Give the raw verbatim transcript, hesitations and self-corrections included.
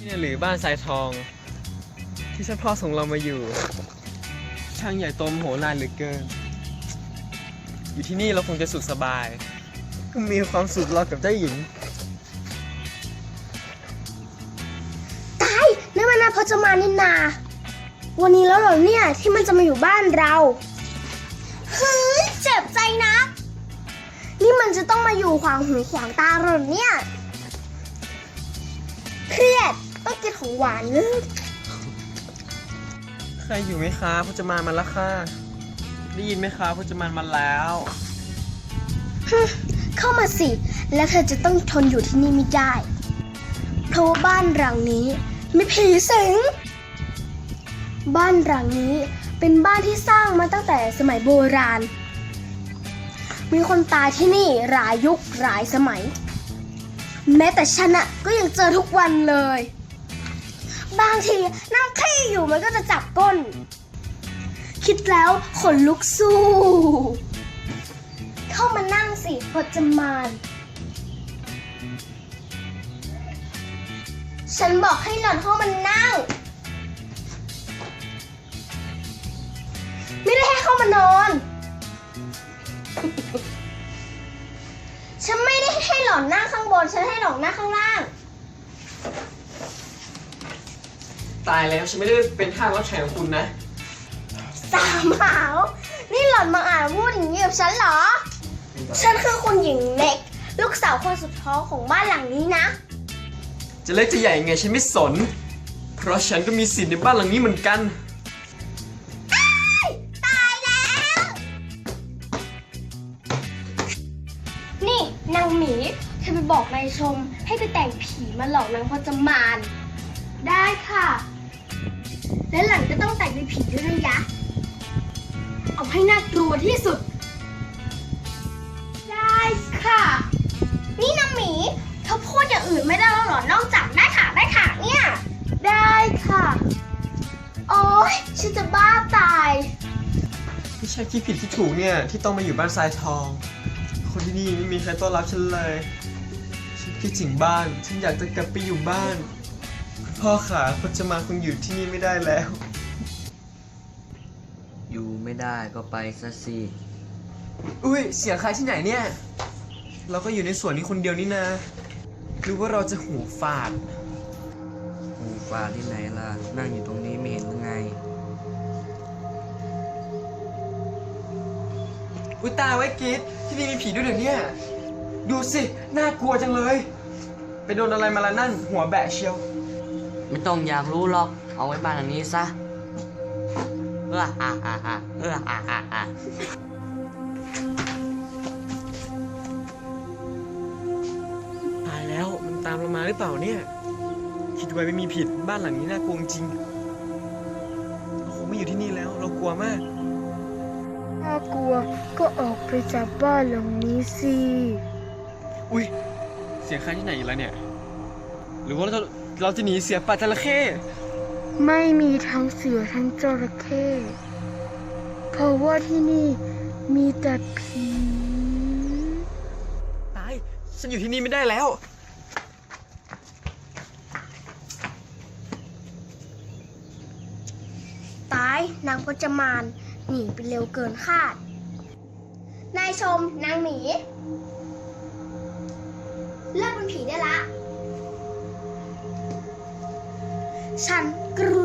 นี่หรือบ้านทรายทองที่ท่านพ่อส่งเรามาอยู่ช่างใหญ่โตมโหฬารเหลือเกินอยู่ที่นี่เราคงจะสุขสบายมีความสุขรอกับเจ้าหญิงตายนั่นมันนาพจมานนินนาวันนี้แล้วเหรอเนี่ยที่มันจะมาอยู่บ้านเราเฮ้ยเจ็บใจนะนี่มันจะต้องมาอยู่ขวางหูขวางตาเราเหรอเนี่ยเครียดต้องกินของหวานเลยใครอยู่ไหมคะพจมานมาแล้วค่ะได้ยินไหมคะพจมานมาแล้วเข้ามาสิแล้วเธอจะต้องทนอยู่ที่นี่ไม่ได้เพราะว่าบ้านหลังนี้มีผีสิงบ้านหลังนี้เป็นบ้านที่สร้างมาตั้งแต่สมัยโบราณมีคนตายที่นี่หลายยุคหลายสมัยแม้แต่ฉันอะก็ยังเจอทุกวันเลยบางทีนั่งขี้อยู่มันก็จะจับก้นคิดแล้วขนลุกสู้เข้ามานั่งสิพจมานฉันบอกให้หล่อนเข้ามานั่งไม่ได้ให้เข้ามานอน ฉันไม่ได้ให้หล่อนนั่งข้างบนฉันให้หล่อนนั่งข้างล่างตายแล้วฉันไม่ได้เป็นทาสรับใช้ของคุณนะสามหาวนี่หล่อนมาอ่านพูดอย่างนี้กับฉันเหรอฉันคือคุณหญิงเล็กลูกสาวคนสุดท้องของบ้านหลังนี้นะจะเล็กจะใหญ่ไงฉันไม่สนเพราะฉันก็มีสิทธิ์ในบ้านหลังนี้เหมือนกันตายแล้วนี่นางหมีเธอไปบอกนายชมให้ไปแต่งผีมาหลอกนางพจมานได้ค่ะและหลังจะต้องแต่งเป็นผีด้วยนะยะเอาให้น่ากลัวที่สุดได้ค่ะนี่นางหมีเธอพูดอย่างอื่นไม่ได้แล้วหรอนอกจากได้ค่ะได้ค่ะเนี่ยได้ค่ะโอ๊ยฉันจะบ้าตายไม่ใช่ที่ผิดที่ถูกเนี่ยที่ต้องมาอยู่บ้านทรายทองคนที่นี่ไม่มีใครต้อนรับฉันเลยฉันคิดถึงบ้านฉันอยากจะกลับไปอยู่บ้านพ่อขาพจมานคงอยู่ที่นี่ไม่ได้แล้วอยู่ไม่ได้ก็ไปซะสิอุ้ยเสียงใครที่ไหนเนี่ยเราก็อยู่ในสวนนี้คนเดียวนี่นะหรือว่าเราจะหูฝาดหูฝาดที่ไหนล่ะนั่งอยู่ตรงนี้ไม่เห็นหรือไงอุ้ยตายไว้กิดที่นี่มีผีด้วยเหรอเนี่ยดูสิน่ากลัวจังเลยไปโดนอะไรมาละนั่นหัวแบะเชียวไม่ต้องอยากรู้หรอกเอาไว้บ้านหลังนี้ซะเออฮ่าฮ่าฮ่าเออฮ่าฮ่าฮ่าตายแล้วมันตามเรามาหรือเปล่าเนี่ยคิดไว้ไม่มีผิดบ้านหลังนี้น่ากลัวจริงโอ้โหไม่อยู่ที่นี่แล้วเรากลัวมากถ้ากลัวก็ออกไปจากบ้านหลังนี้สิอุ้ยเสียงใครที่ไหนอีกแล้วเนี่ยหรือว่าเราเราจะหนีเสียป่าจระเข้ไม่มีทั้งเสือทั้งจระเข้เพราะว่าที่นี่มีแต่ผีตายฉันอยู่ที่นี่ไม่ได้แล้วตายนางพจมานหนีไปเร็วเกินคาดนายชมนางหมีเลิกเป็นผีได้ละฉันกลั